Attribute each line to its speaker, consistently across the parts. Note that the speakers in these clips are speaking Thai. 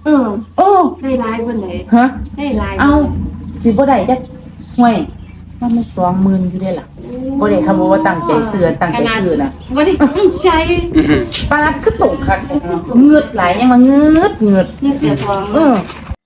Speaker 1: เออ
Speaker 2: โอ้
Speaker 1: ได้หลายเพิ่นไหน
Speaker 2: ฮะ
Speaker 1: ได้หลาย
Speaker 2: เอาสิบ่ได้จักห่วยมันมัน20,000อยู่เด้ล่ะบ่ได้คำว่าตั้งใจซื้อตั้งใจซื้อน่ะ
Speaker 1: บ่ได้ตั้งใจ
Speaker 2: ปาดคือตกคักเงือดหลายยังมาเงือด
Speaker 1: เนี่ยเสียทอง
Speaker 2: เออ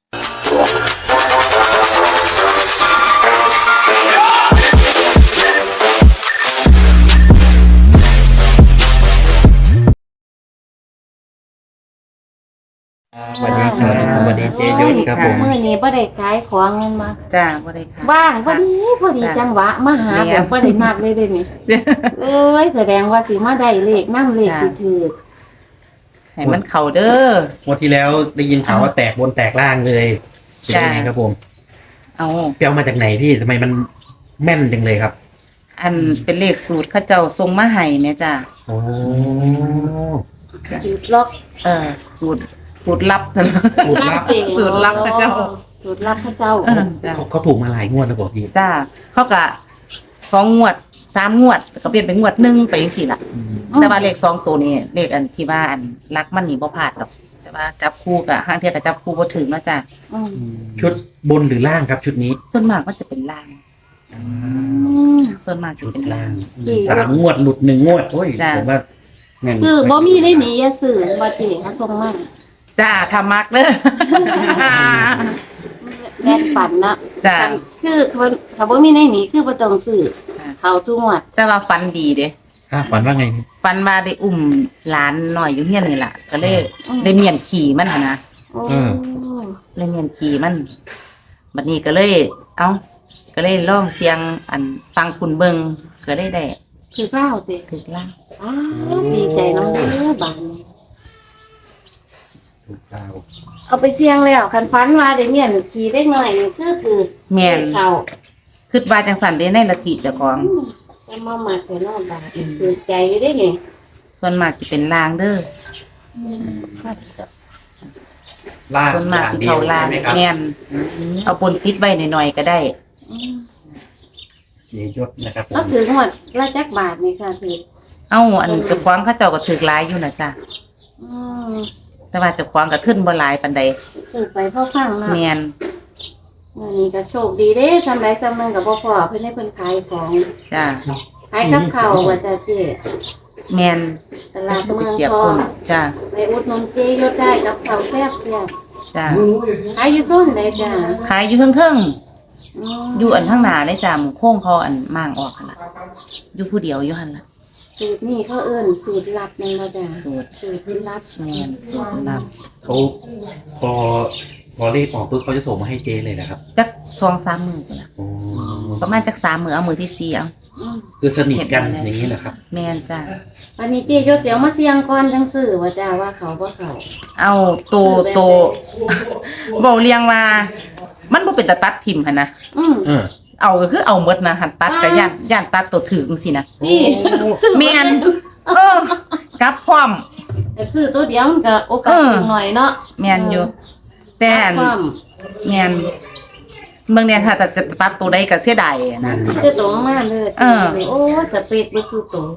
Speaker 3: สวัสดีครับสวัสดีเจยศครับผม
Speaker 1: มื้อนี้บ่ได้ขายของเงินมา
Speaker 2: จ้าบ่ได้ค่ะ
Speaker 1: ว่างพอดีจังหวะมาหาแบบบ่ได้นัดเลยเด้นี่เอ้ยแสดงว่าสิมาได้เลขนำเลขสิถูก
Speaker 2: ให้มันเข้าเด้อ
Speaker 3: งวดที่แล้วได้ยินข่าวว่าแตกบนแตกล่างเลยเป็นยังไงครับผม
Speaker 2: เอา
Speaker 3: เปียวมาจากไหนพี่ทำไมมันแม่นจังเลยครับ
Speaker 2: อันเป็นเลขสูตรเขาเจ้าส่งมาให้แม่จ้า
Speaker 3: โอ้
Speaker 1: ถูกล็อก
Speaker 2: สูตรลับจ้ะ
Speaker 3: สูตรลับ
Speaker 1: เอง
Speaker 2: สูตรลับพระเจ้า
Speaker 1: สูตรลับพระเจ้า
Speaker 2: จ้า
Speaker 3: เขาถูกมาหลายงวดแล้วบอกพี่
Speaker 2: จ้าเขาก็2 งวด 3 งวดก็เปลี่ยนเป็นงวด1ไปจังซี่ล่ะ แต่ว่าเลข2ตัวนี้เลขอันที่ว่าอันรักมันนี่บ่พลาดดอก แต่ว่าจับคู่ก็ห้างเที่ยก็จับคู่บ่ถึงเนาะจ้า
Speaker 1: อืม
Speaker 3: ชุดบนหรือล่างครับชุดนี้
Speaker 2: ส่วนมากมันจะเป็นล่าง
Speaker 1: อืม
Speaker 2: ส่วนมากจะ
Speaker 3: ชุด
Speaker 2: เป็นล่า
Speaker 3: ล่าง ง3 งวดหลุด1 งวดโอ้ย
Speaker 2: จ้ะ
Speaker 3: ผมว่าแม่น
Speaker 1: คือบ่มีได้หนีอย่าซื้อบ่ติเขาส่งมา
Speaker 2: จ้าทำมักเด้อ
Speaker 1: แม่นปั่นเนาะ
Speaker 2: จ้า
Speaker 1: คือเขาบ่มีได้หนีคือบ่ต้องซื้อเขาซุงวด
Speaker 2: แต่ว่าฟันดีเด้
Speaker 3: ฝันว่าไงพี่
Speaker 2: ฟันมาได้อุ้มหลานหน่อยอยู่เฮียนนี่ล่ะ ก็เลยได้เมียนขี่มันหั่นนะ
Speaker 1: โอ้
Speaker 2: เลยเมียนขี่มันบัดนี้ก็เลย ก็เลยลองเสียงอันฟังคุณเบิงก็ได้
Speaker 1: ถือเล่าติ
Speaker 2: ถึกล่าง
Speaker 1: อ้าวดีใจนำเด้อบานนี้
Speaker 3: ถูกเก้า
Speaker 1: เอาไปเสี่ยงแล้วคันฝันว่าได้เมียนขี่ได้หน่อยนี่คือ
Speaker 2: แม่น
Speaker 1: เขา
Speaker 2: คิดว่าจังสันได้ในละทิเจ้าของ
Speaker 1: แต่มามาแต่นอกบาดคือใจอยู่ได้นี่
Speaker 2: ส่วนมากจะเป็นลางเด้อ
Speaker 3: ล่าง
Speaker 2: ส่วนมากสิ
Speaker 3: ดีย
Speaker 2: เข้าว ลาง
Speaker 3: ใช่ไหมครับ
Speaker 2: แม่นเอาปนติดไว้หน่อยๆก็ได้
Speaker 3: เจยศนะครับผม
Speaker 1: ก็ถือหมดละจักบาทนี่ค่ะถือ
Speaker 2: เอาอันเจ้าของเขาเจ้าก็ถึกหลายอยู่นะจ้ะ
Speaker 1: อืม
Speaker 2: แต่ว่าเจ้าของก็ขึ้นบ่หลายปานใด
Speaker 1: ถือไปพ่อฟังเนาะ
Speaker 2: แม่น
Speaker 1: อันนี้ก็โชคดีเด้ทำไรซ้ำนึงกับพ่อเพิ่นให้เพิ่นขายของ
Speaker 2: จ้ะ
Speaker 1: ขายกับข้าวว่าแต่สิ
Speaker 2: แม่น
Speaker 1: ตลาด
Speaker 2: ก็
Speaker 1: เมื
Speaker 2: ไป
Speaker 1: อง
Speaker 2: เสียบ
Speaker 1: ทอ
Speaker 2: ค
Speaker 1: ง
Speaker 2: นจ้ะ
Speaker 1: ไปอุดหนุนเจยศได้กับข้าวแซ่บ
Speaker 2: จ้ะ
Speaker 1: ๆขายอยู่โซนไหนจ้ะ
Speaker 2: ขายอยู่เทิง
Speaker 1: อืม
Speaker 2: ๆอยู่อันข้างหน้าเลยจ้ะหมู่โค้งเขาอันม่างออกหั่นล่ะอยู่ผู้เดียวอยู่หั่นล่ะ
Speaker 1: สูตรนี่เขาเอิ้นสูตรลับนั่นว่าจ้ะ
Speaker 2: สูตร
Speaker 1: สูตรลับ
Speaker 2: แม่นสูตรลับ
Speaker 3: เขาพอเลขออกปุ๊บเขาจะส่งมาให้เจเลยนะครับ
Speaker 2: จัก2-3 มื้อพุ่นล่ะ
Speaker 3: โอ้
Speaker 2: ประมาณจัก3 มื้อเอามื้อที่4เอา
Speaker 1: อืม
Speaker 3: คือสนิทกันอย่างนี้แหละครับ
Speaker 2: แม่นจ้ะ
Speaker 1: อันนี้เจยศเสียวมาเสียงก่อนจังซื้อว่าจ้ะว่าเขาบ่เขา
Speaker 2: เอาโตเว้าเรียงว่ามันบ่เป็นตาตัดทิ่มหั่นนะ
Speaker 1: อืม
Speaker 3: เออ
Speaker 2: เอาก็คือเอาหมดนะหันตัดก็ย่านตัดตัวถือจังซี่นะ
Speaker 1: นี่ซื้อ
Speaker 2: แม่นกลับพร้อม
Speaker 1: แต่ซื้อตัวเดียวมันก็โอกาสสูงหน่อยเนาะ
Speaker 2: แม่นอยู่ แต่อัน
Speaker 1: ความ
Speaker 2: แม่นเบิ่งเนี่ยค่ะแต่จะตัดตัวใดก็เสียดายอะนะ
Speaker 1: คือตรงมาเลย
Speaker 2: เออ
Speaker 1: โอ้สเปกบ่สู้ตัว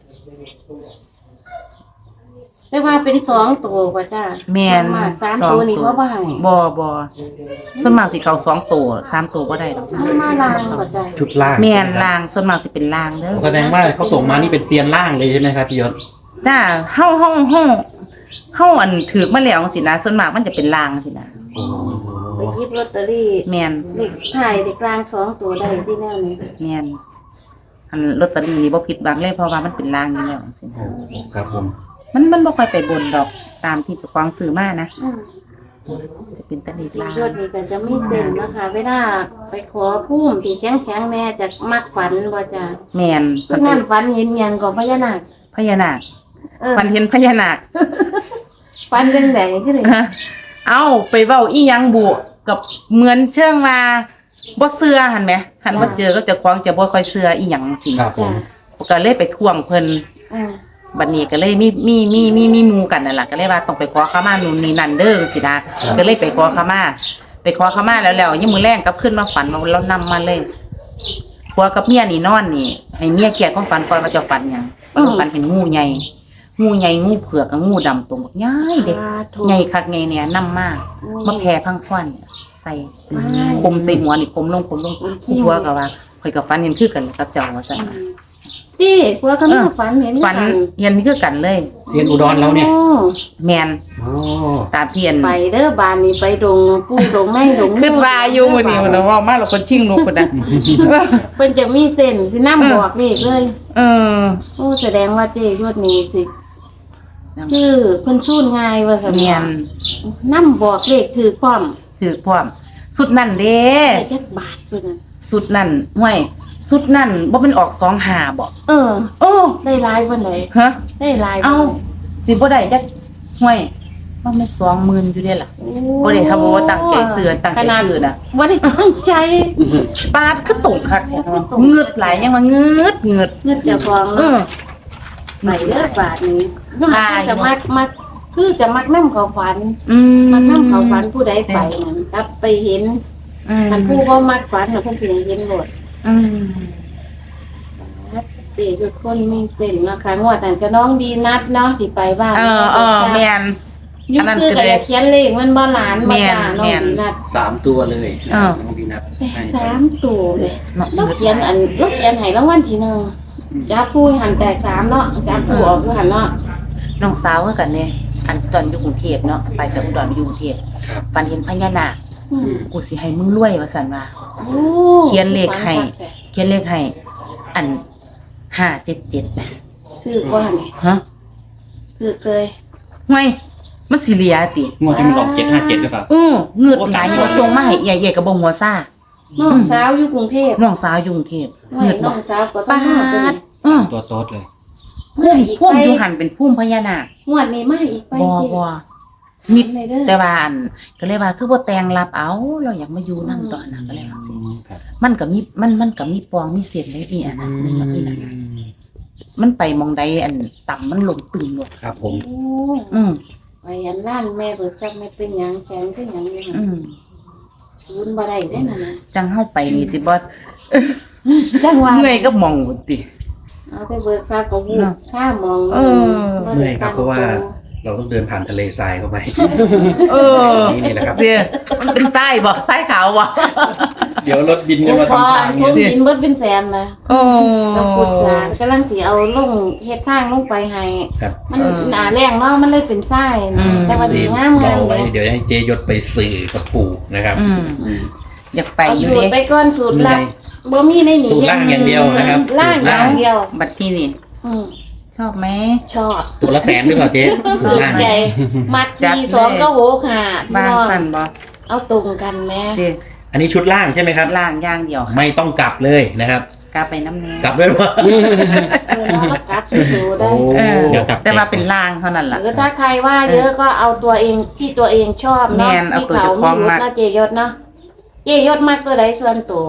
Speaker 1: แต่ว่าเป็น2ตัวว่าจ้ะ
Speaker 2: แม่น
Speaker 1: มาก3ตัวนี่บ่ให้
Speaker 2: บ่ส่วนมากสิเข้า2 ตัว3 ตัวบ่ได้ดอกจ้ะ
Speaker 1: เอามาล้างก็จ้ะ
Speaker 3: ชุดล่าง
Speaker 2: แม่นล่างส่วนมากสิเป็นล่างเด้อ
Speaker 3: แสดงว่าเขาส่งมานี่เป็นเซียนล่างเลยใช่ไหมครับพี่ยศ
Speaker 2: จ้าเฮาอันถือมาแล้วจังซี่นะส่วนมากมันจะเป็นล่างจังซี่นะ
Speaker 3: โอ้
Speaker 1: ไปหยิบลอตเตอรี่
Speaker 2: แม่น
Speaker 1: เลขท้ายเลขกลาง2ตัวได้ที่แนวนี้
Speaker 2: แม่นอันลอตเตอรี่นี่บ่ผิดหวังเลยเพราะว่ามันเป็นล่างอยู่แล้วจังซี่นะ
Speaker 3: ครับผม
Speaker 2: มันบ่ค่อยไปบนดอกตามที่เจ้าของซื้อมานะ
Speaker 1: อืม
Speaker 2: จะเป็นแตะลีลาง
Speaker 1: ยอดนี่ก็จะมีเส้นนะคะเวลาไปขอภูมิที่แข็งๆแน่จะมักฝันบ่จ้ะ
Speaker 2: แม่น
Speaker 1: คือนั่นฝันเห็นหยังก็พญานาค
Speaker 2: พญานาค
Speaker 1: เออ
Speaker 2: ฝันเห็นพญานาค
Speaker 1: ฝันเรื่องใดคือได
Speaker 2: เอาไปเว้าอีหยังบุกับเหมือนเชิงว่าบ่เชื่อหั่นแหมหันบ่เจอก็เจ้าของจะบ่ค่อยเชื่ออีหยังจริง
Speaker 3: ครับผม
Speaker 1: จ้ะ
Speaker 2: ก็เลยไปท่วงเพิ่น
Speaker 1: อ่า
Speaker 2: บัดนี้ก็เลยมีหมู่กันนั่นล่ะก็เลยว่าต้องไปขอขมานู่นนี่นั่นเด้อสินะก็เลยไปขอขมาแล้วยังมื้อแรงกลับขึ้นมาฝันว่าเรานำมาเลยผัวกับเมียนี่นอนนี่ให้เมียแก้ความฝันก่อนว่าจะฝันหยังฝันเห็นงูใหญ่งูใหญ่งูเผือกกับงูดำตัวบักใหญ่เด็ก
Speaker 1: ถูก
Speaker 2: ใหญ่คักใหญ่เนี่ยนำมากมาแผ่พังควันเนี่ยใส่คมใส่หัวนี่คมลงหัวก็ว่าข่อยกับฟันเห็นคือกันกับเจ้าว่าซั่น
Speaker 1: ที่กลัวก็มีฝันเห็น
Speaker 2: ฟันเห็นคือกันเลย
Speaker 3: เซียนอุดรเราเนี่ย
Speaker 1: โอ้
Speaker 2: แม่น
Speaker 3: โอ้
Speaker 2: ตาเพียน
Speaker 1: ไปเด้อบานนี้ไปดงปูดงแม่งดง
Speaker 2: ขึ้นว่าอยู่มื้อนี้มันว่ามาแล้วคนชิงลูกพุ่นน่ะ
Speaker 1: เพิ่นจะมีเส้นสินำบอกนี่เลย
Speaker 2: เออ
Speaker 1: โอ้แสดงว่าเจ้ยอดนี้สิชื่อเพิ่นชูนง่ายว่าซั่น
Speaker 2: แม่น
Speaker 1: นำบอกเลขถือความ
Speaker 2: ถือพร้อมสุดนั่นเด้
Speaker 1: ได้จักบาทซุนั้น
Speaker 2: สุดนั่นห้วยสุดนั่นบ่เป็นออก25บ่
Speaker 1: เออ
Speaker 2: โอ้
Speaker 1: ได้หลายปานใด
Speaker 2: ฮะ
Speaker 1: ได้หลาย
Speaker 2: เอ้าสิบ่ได้จักห้วยว่ามัน20,000อยู่เด้ล่ะบ่ได้ทำว่าตั้งใจซื้อตั้งใจซื้อน่ะ
Speaker 1: บ่ได้ตั้งใจ
Speaker 2: ปาดคือตกคักเงืดหลายยังว่าเงืด
Speaker 1: เงินเจ้าของ
Speaker 2: เอ
Speaker 1: เนาะ
Speaker 2: อ
Speaker 1: ไปเด้อบาทนี้
Speaker 2: ตาย
Speaker 1: จะมักคือจะมักนำเขาฝัน
Speaker 2: อืม
Speaker 1: มักนำเขาฝันผู้ใดไปนั่นครับไปเห็น มันผู้บ่มักฝันน่ะเพิ่นสิเห็นโลด
Speaker 2: อืม
Speaker 1: สิทุกคนมีเส้นเนาะค่ะงวดนั้นก็น้องดีนัดเนาะที่ไปบ้าน
Speaker 2: แม่น
Speaker 1: อยุ่งคือก็อยากเขียนเลขมันบ่หลานบ่จ้าน้อง
Speaker 2: แม่น
Speaker 1: ดีนัด
Speaker 3: 3 ตัวเลย
Speaker 2: อ้าว
Speaker 3: น้องพีนัทให้
Speaker 1: สามตัวเลย
Speaker 2: เนาะ
Speaker 1: เราเขียนเราเขียนให้รางวัลที่หนึ่งจับผู้หันแตกสามเนาะจับผู้ออกคือหันเนาะ
Speaker 2: น้องสาวคือกันเนี่ยอันตอนอยู่กรุงเทพเนาะไปจากอุดรไปอยู่กรุงเทพ
Speaker 3: ครับ
Speaker 2: ฝันเห็นพญานาค
Speaker 1: อืม
Speaker 2: กูสิให้มึงรวยว่าซั่นว่า
Speaker 1: โอ้
Speaker 2: เขียนเลขให้ เขียนเลขให้อัน577นะ
Speaker 1: คือว่านี่
Speaker 2: ฮะ
Speaker 1: คือเคย
Speaker 2: ห่วยมันสิเหลียติ
Speaker 4: งวดที่มันออก757หรือเปล่า
Speaker 2: เงืดหลายอยู่ส่งมาให้ใหญ่ๆกับบ่หัวซ่า
Speaker 1: น้องสาวอยู่กรุงเทพ
Speaker 2: น้องสาวอยู่กรุงเทพ
Speaker 1: น้
Speaker 2: เงืด
Speaker 1: น้
Speaker 2: บ่
Speaker 1: องสาวก็ต้อ
Speaker 2: ปาง
Speaker 1: มาตัว
Speaker 2: ด
Speaker 1: นี้
Speaker 4: ตัวโต๊ดเลย
Speaker 2: พุ่มอยู่หันเป็นพุ่มพญานาค
Speaker 1: งวดนี้มาอีกไป
Speaker 2: บ่
Speaker 1: สิ
Speaker 2: บ่มิด
Speaker 1: เลยเด้อ
Speaker 2: แต่ว่าอันก็เลยว่าคือบ่แต่งรับเอาเราอยากมาอยู่นำตอนนั้นก็เลยว่าสิ
Speaker 4: ครับ
Speaker 2: มันก็มีปองมีเศษเลยนี่อันนั้นนี่นั่นมันไปมองใดอันต่ำมันลงตึงหมด
Speaker 3: ครับผม
Speaker 1: โอ้
Speaker 2: อืม
Speaker 1: ไปอันนั่นแม่เบิกจับไม่เป็นหยังแข็งคือหยังนี่
Speaker 2: อืม
Speaker 1: ศูนย์บ่ได้เด้นั่นน่ะ
Speaker 2: จังเฮาไปนี่สิบ่
Speaker 1: จังว่า
Speaker 2: เมื่อยก็มองพุ่นติ
Speaker 1: เอาไปเบิกทราบก็วูบ
Speaker 2: เนาะ
Speaker 1: ข้ามอง
Speaker 2: เออ
Speaker 3: เหนื่อยครับเพราะว่าเราต้องเดินผ่านทะเลทรายเข้าไป
Speaker 2: เออ
Speaker 3: นี่แหละครับ
Speaker 2: เด้อมันเป็นทรายบ่ทรายขาวบ่
Speaker 4: เดี๋ยวรถบิน
Speaker 1: โอ้
Speaker 4: จะมา
Speaker 1: พอ
Speaker 4: ทำทาง
Speaker 1: ทุ
Speaker 4: เนี่ย
Speaker 1: นกินเบิดเป็นแสนนะ
Speaker 2: โอ้
Speaker 1: กับปุดสารกำลังสิเอาลงเฮ็ดทางลงไปให้
Speaker 3: ครับ
Speaker 1: มันหนาแรงเนาะมันเลยเป็นทรายนะแต่ว่าดีงาม
Speaker 3: ร
Speaker 1: งา
Speaker 3: อ
Speaker 1: ม
Speaker 3: ไว้
Speaker 1: เลย
Speaker 3: เดี๋ยวให้เจยศไปสื่อกับปู่นะครับ
Speaker 2: อืมอยากไป
Speaker 1: เอา
Speaker 2: อยู่
Speaker 1: สูตร
Speaker 2: เด้
Speaker 1: ไปก่อนสูตรลับบ่มีในนี้
Speaker 3: สูตรล่างอย่างเดียวนะครับ
Speaker 1: ล่างอย่างเดียว
Speaker 2: บัดที่นี่
Speaker 1: อืม
Speaker 2: ชอบไหม
Speaker 1: ชอบ
Speaker 3: ตัวละแสนหรือเปล่าเจ๊สูตรล่าง
Speaker 1: ใหญ่มัด
Speaker 2: จัดเลย
Speaker 1: 42ก็โหค่ะพี่
Speaker 2: บาง
Speaker 1: น้อง
Speaker 2: สั่นบ่
Speaker 1: เอาตรงกันแม่
Speaker 2: เด้อ
Speaker 3: อันนี้ชุดล่างใช่ไหมครับ
Speaker 2: ล่างอย่างเดียวค่ะ
Speaker 3: ไม่ต้องกลับเลยนะครับ
Speaker 2: กลับไปน้ำแน่
Speaker 3: กลับด้วยว่า
Speaker 1: เราก็กลับสูตรได้
Speaker 3: โอ้
Speaker 2: เออ
Speaker 4: เดี๋ยวกลับ
Speaker 2: แต่ว่าเป็นล่างเท่านั้น
Speaker 1: ห
Speaker 2: ล่ะ
Speaker 1: รือถ้าใครว่าเยอะก็เอาตัวเองที่ตัวเองชอบเนาะ
Speaker 2: แม่นเอา
Speaker 1: ที่
Speaker 2: ตัว
Speaker 1: เขา
Speaker 2: เจ้าของ
Speaker 1: ไม่รู้
Speaker 2: มัก
Speaker 1: นะเจยศเนาะเจยศมักตัวใดส่วนตัว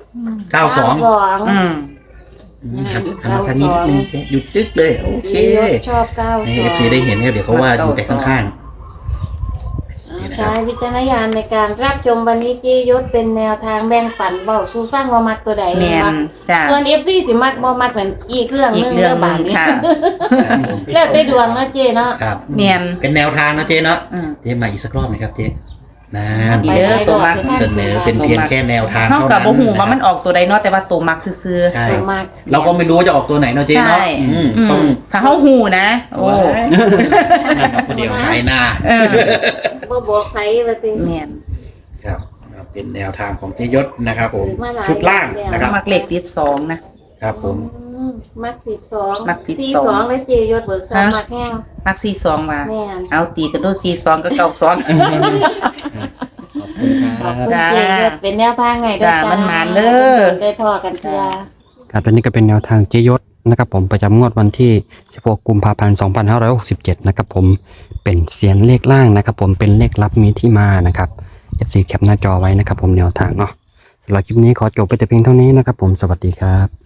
Speaker 3: 92
Speaker 2: อืม
Speaker 3: ครับอันนี้ทางนี้นิดนึงเจ๊หยุดจึ๊กเลยโอเค
Speaker 1: เจยศชอบ
Speaker 3: ให้
Speaker 1: 92
Speaker 3: เอฟซีได้เห็นครับเดี๋ยวเขาว่าอยู่แต่ข้าง
Speaker 1: ใช้วิจารณญาณในการรับชมวันนี้เจยศเป็นแนวทางแบ่งปันเบาสู้ฟังว่ามักตัวใด
Speaker 2: แม่น
Speaker 1: วะ
Speaker 2: จ้ะ
Speaker 1: ส่วนเอฟซีสิมักบ่มักเหมือนอีกเรื่อง
Speaker 2: อี
Speaker 1: ห
Speaker 2: ก
Speaker 1: นึง
Speaker 2: เรื่องห
Speaker 1: บา
Speaker 2: นึ
Speaker 1: ง
Speaker 2: ง
Speaker 1: นี้
Speaker 2: ค่ะ
Speaker 1: แล้วแต่ดวงเนาะเจเนาะ
Speaker 3: ๆครับ
Speaker 2: แม่น
Speaker 3: เป็นแนวทางนะเจ๊เนาะ
Speaker 2: อืม
Speaker 3: เจ๊มาอีกสักรอบไหมครับเจ๊นาน
Speaker 2: อีเด้อตัวมัก
Speaker 3: เสนอเป็นเพียงแค่แนวทาง
Speaker 2: เฮา
Speaker 3: เท่า
Speaker 2: ก็
Speaker 3: นั้น
Speaker 2: บ่ฮู้ว่ามัน
Speaker 3: นะ
Speaker 2: ออกตัวใดเนาะแต่ว่าตัวมักซื่อ
Speaker 3: ใช่
Speaker 1: ตัวมัก
Speaker 3: เราก็ไม่รู้ว่าจะออกตัวไหนเนาะ
Speaker 2: ๆ
Speaker 3: เจ๊เนาะ
Speaker 2: ใช่
Speaker 3: อืมต้อง
Speaker 2: ถ้าเฮาฮู้นะ โอ้
Speaker 4: คนเดียว
Speaker 3: ขายหน้า
Speaker 2: เออ
Speaker 1: บ่บอกใครว่าติ
Speaker 2: แม่น
Speaker 3: ครับเป็นแนวทางของเจยศนะครับผม
Speaker 1: ซื้อมาหลาย
Speaker 3: ชุดล่างนะครับ
Speaker 2: มักเลขติด2นะครับ
Speaker 3: ผม
Speaker 1: มักติดสอง
Speaker 2: มักติด
Speaker 1: ที่
Speaker 2: สอง
Speaker 1: สองแล้วเจยศเบิกสาม
Speaker 2: ฮะ
Speaker 1: มักแห้ง
Speaker 2: มัก42ว่า
Speaker 1: แม่น
Speaker 2: เอาตีกันดู42ก็92
Speaker 4: ขอบคุณค
Speaker 1: ข
Speaker 4: รั
Speaker 1: อบ
Speaker 4: บ
Speaker 1: คุณ
Speaker 2: จ้า
Speaker 1: เจยศเป็นแนวทางไงเด้อ
Speaker 2: จ้ามันหมานเด้อ
Speaker 1: ได้พอกันเพื่อ
Speaker 5: ครับและนี่ก็เป็นแนวทางเจยศนะครับผมประจำงวดวันที่16กุมภาพันธ์2567นะครับผมเป็นเสียงเลขล่างนะครับผมเป็นเลขลับมีที่มานะครับ FC แคปหน้าจอไว้นะครับผมแนวทางเนาะสำหรับคลิปนี้ขอจบไปแต่เพียงเท่านี้นะครับผมสวัสดีครับ